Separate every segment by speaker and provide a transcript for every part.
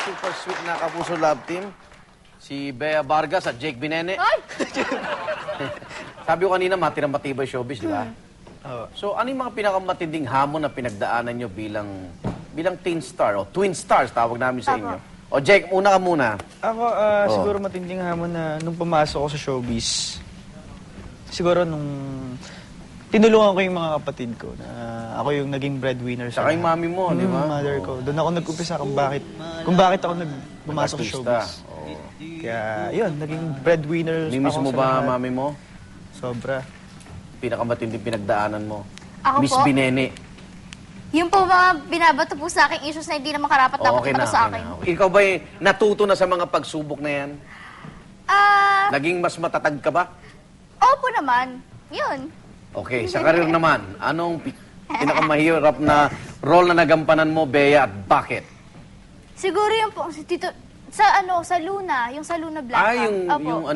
Speaker 1: super sweet na Kapuso Love Team. Si Bea Vargas at Jake Binene.
Speaker 2: Ay!
Speaker 1: Sabi ko kanina, matirang matibay showbiz, di ba? So, ano yung mga pinakamatinding hamon na pinagdaanan nyo bilang teen star o twin stars, tawag namin sa inyo? O Jake, una ka muna.
Speaker 3: Ako, siguro matinding hamon na nung pumasok ako sa showbiz, siguro nung tinulungan ko yung mga kapatid ko na ako yung naging breadwinner sa
Speaker 1: Saka yung mami mo, di ba?
Speaker 3: mother ko. Doon ako nag-umpisa kung bakit ako pumasok sa showbiz. Kaya, yun, naging breadwinner
Speaker 1: Mimiss
Speaker 3: ako
Speaker 1: mo
Speaker 3: sa
Speaker 1: ba,
Speaker 3: lahat.
Speaker 1: mami mo?
Speaker 3: Sobra.
Speaker 1: Pinakamatinding pinagdaanan mo?
Speaker 2: Ako
Speaker 1: Miss
Speaker 2: po?
Speaker 1: Binene.
Speaker 2: Yung po mga binabato po sa akin issues na hindi naman karapat-dapat
Speaker 1: Okay na,
Speaker 2: sa
Speaker 1: okay
Speaker 2: akin.
Speaker 1: na. Ikaw ba natuto na sa mga pagsubok na yan? Naging mas matatag ka ba?
Speaker 2: Opo naman. Yun.
Speaker 1: Okay, sa karir naman, anong pinakamahirap na role na nagampanan mo, Bea, at bakit?
Speaker 2: Siguro yung po, si Tito, sa Luna, yung sa Luna Black.
Speaker 1: Yung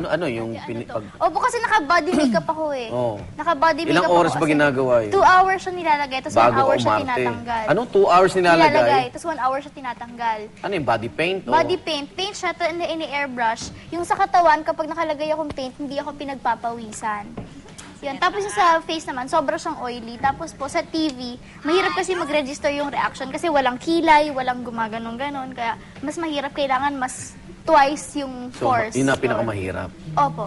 Speaker 2: Opo, kasi naka-body makeup ako eh.
Speaker 1: Oo.
Speaker 2: Naka-body makeup
Speaker 1: Ilang
Speaker 2: ako
Speaker 1: oras ba
Speaker 2: kasi
Speaker 1: ginagawa yun?
Speaker 2: 2 hours siya nilalagay, tapos 1
Speaker 1: Bago
Speaker 2: hour
Speaker 1: ka
Speaker 2: siya
Speaker 1: umarte.
Speaker 2: tinatanggal.
Speaker 1: Anong 2 hours nilalagay?
Speaker 2: Tapos 1 hour siya tinatanggal.
Speaker 1: Ano yung body paint? o?
Speaker 2: Body paint. Paint siya, ini-airbrush. Yung sa katawan, kapag nakalagay akong paint, hindi ako pinagpapawisan. Yun. Tapos yung sa face naman, sobra siyang oily. Tapos po sa TV, mahirap kasi mag-register yung reaction kasi walang kilay, walang gumaganon-ganon. Kaya mas mahirap, kailangan mas twice yung
Speaker 1: So,
Speaker 2: force.
Speaker 1: yun na pinakamahirap.
Speaker 2: Opo.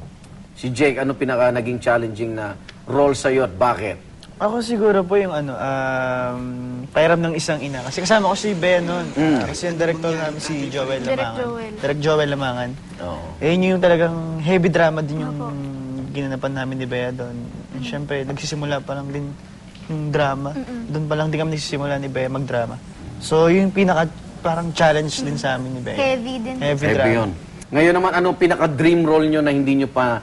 Speaker 1: Si Jake, ano naging challenging na role sa'yo at bakit?
Speaker 3: Ako siguro po yung pahiram ng isang ina. Kasi kasama ko si Bea noon. Kasi yung director namin si Joel Lamangan.
Speaker 2: Direk
Speaker 3: Joel Lamangan.
Speaker 1: Oo.
Speaker 3: Eh, yun yung talagang heavy drama din yung ginanapan namin ni Bea doon. And syempre, nagsisimula pa lang din yung drama. Doon pa lang din kami nagsisimula ni Bea magdrama. So, yung parang challenge din sa amin ni Bea.
Speaker 2: Heavy din.
Speaker 3: Heavy
Speaker 1: Heavy
Speaker 3: drama.
Speaker 1: yun. Ngayon naman, anong pinaka-dream role nyo na hindi nyo pa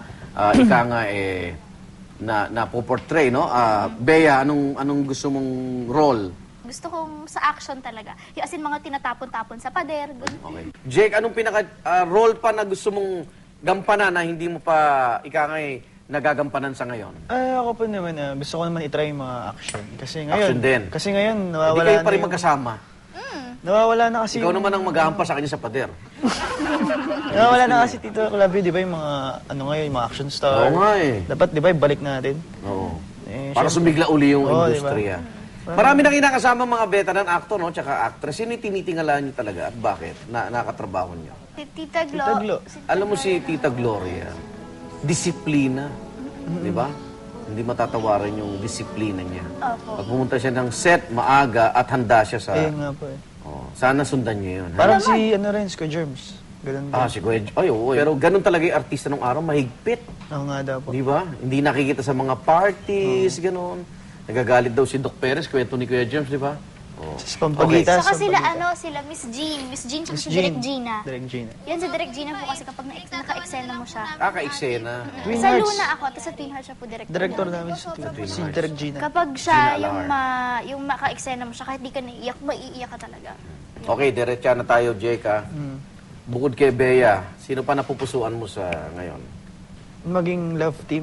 Speaker 1: napoportray, no? Bea, anong gusto mong role?
Speaker 2: Gusto kong sa action talaga. Yung as in, mga tinatapon-tapon sa pader. Ganun.
Speaker 1: Okay. Jake, anong pinaka-role pa na gusto mong gampanan na hindi mo pa nagagampanan sa ngayon?
Speaker 3: Ako po naman, gusto ko naman itry yung mga action. Kasi ngayon,
Speaker 1: Action din.
Speaker 3: Kasi ngayon,
Speaker 1: Hindi
Speaker 3: nawawala
Speaker 1: kayo
Speaker 3: na
Speaker 1: pa rin
Speaker 3: yung-
Speaker 1: magkasama.
Speaker 3: Nawawala na kasi
Speaker 1: Ikaw naman ang mag-aampas sa kanya sa pader.
Speaker 3: Nawawala na kasi Tito Clavi, di ba yung mga, ngayon, yung mga action star.
Speaker 1: Oo nga eh.
Speaker 3: Dapat, di ba, ibalik natin.
Speaker 1: Oo.
Speaker 3: Eh,
Speaker 1: Para
Speaker 3: syempre-
Speaker 1: sumigla uli yung
Speaker 3: Oo,
Speaker 1: industriya. Marami na kinakasama mga veteran actor, no? Tsaka actress. Sino yung tinitingalaan nyo talaga at bakit? Nakatrabaho nyo?
Speaker 2: Tita Glo.
Speaker 3: Tita Glo.
Speaker 1: Alam mo si Tita Gloria, disiplina. Di ba? Hindi matatawaran yung disiplina niya.
Speaker 2: Opo.
Speaker 1: Pag pumunta siya ng set, maaga at handa siya sa...
Speaker 3: Ayun nga po eh.
Speaker 1: Oh, sana sundan niyo yun. ha?
Speaker 3: Parang si, Square Germs. Ganun din.
Speaker 1: Si Kuya... Ay, oo. Pero ganun talaga yung artista nung araw, mahigpit.
Speaker 3: Oo nga daw po.
Speaker 1: Di ba? Hindi nakikita sa mga parties, ganun. Nagagalit daw si Doc Perez, kwento ni Kuya James, di ba? Oh.
Speaker 3: Sa pampagitas.
Speaker 2: Saka sila Miss Jean. Miss Jean, tsaka si Direk Gina.
Speaker 3: Direk Gina.
Speaker 2: Yan, si Direk Gina po kasi kapag naka-eksena mo siya.
Speaker 1: Ka-eksena.
Speaker 3: Twin
Speaker 2: Sa
Speaker 3: Hearts.
Speaker 2: Luna ako, tapos sa Twin Hearts siya po director.
Speaker 3: Director namin si Direk Gina.
Speaker 2: Kapag siya,
Speaker 1: Gina
Speaker 2: yung maka-eksena mo siya, kahit di ka naiiyak, maiiyak ka talaga.
Speaker 1: Okay, diretsa na tayo, Jake, ha? Bukod kay Bea, sino pa napupusuan mo sa ngayon?
Speaker 3: Maging love team.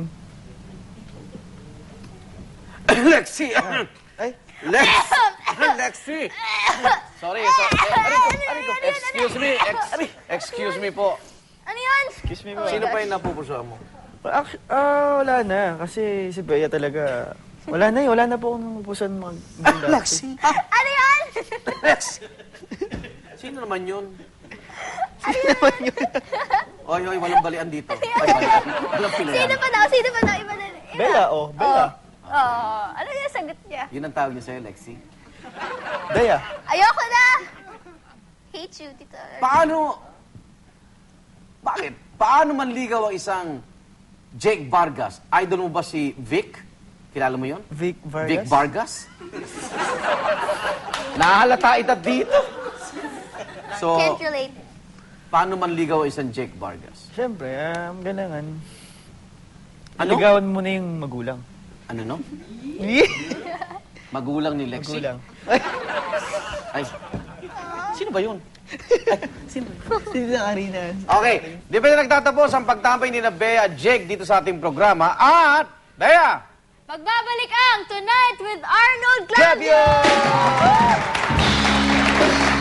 Speaker 1: Lexi!
Speaker 3: Ay,
Speaker 1: Lexi! Sorry. Ariko. Excuse me po.
Speaker 2: Ano yan?
Speaker 3: excuse me po.
Speaker 1: Sino pa yung napupusuan mo?
Speaker 3: Wala na. Kasi si Bea talaga, wala na po akong napupusan
Speaker 1: Lexi!
Speaker 2: Ano yan?
Speaker 1: Sino naman yun? Oy, walang balian dito. Ay, balian. Walang pilihan.
Speaker 2: Sino pa daw? Iba na.
Speaker 3: Bella, Bella.
Speaker 2: Ano yung sagot niya?
Speaker 1: Yun ang tawag niya sa'yo, Lexi.
Speaker 3: Bea.
Speaker 2: Ayoko na! Hate you, Tito.
Speaker 1: Bakit? Paano manligaw ang isang Jake Vargas? Idol mo ba si Vic? Kilala mo yun?
Speaker 3: Vic Vargas.
Speaker 1: Vic Vargas? Nahalata ita dito. So,
Speaker 2: Can't relate.
Speaker 1: paano manligaw ang isang Jake Vargas?
Speaker 3: Siyempre, kailangan.
Speaker 1: Ano?
Speaker 3: Ligawan mo na yung magulang.
Speaker 1: Ano, no? Magulang ni Lexi?
Speaker 3: Magulang.
Speaker 1: Ay, sino ba yun?
Speaker 3: Sino na kanina?
Speaker 1: Okay, di ba na nagtatapos ang pagtambay ni na Bea at Jake dito sa ating programa? At, Bea!
Speaker 2: Magbabalik ang Tonight with Arnold Clavio!
Speaker 1: Clavio!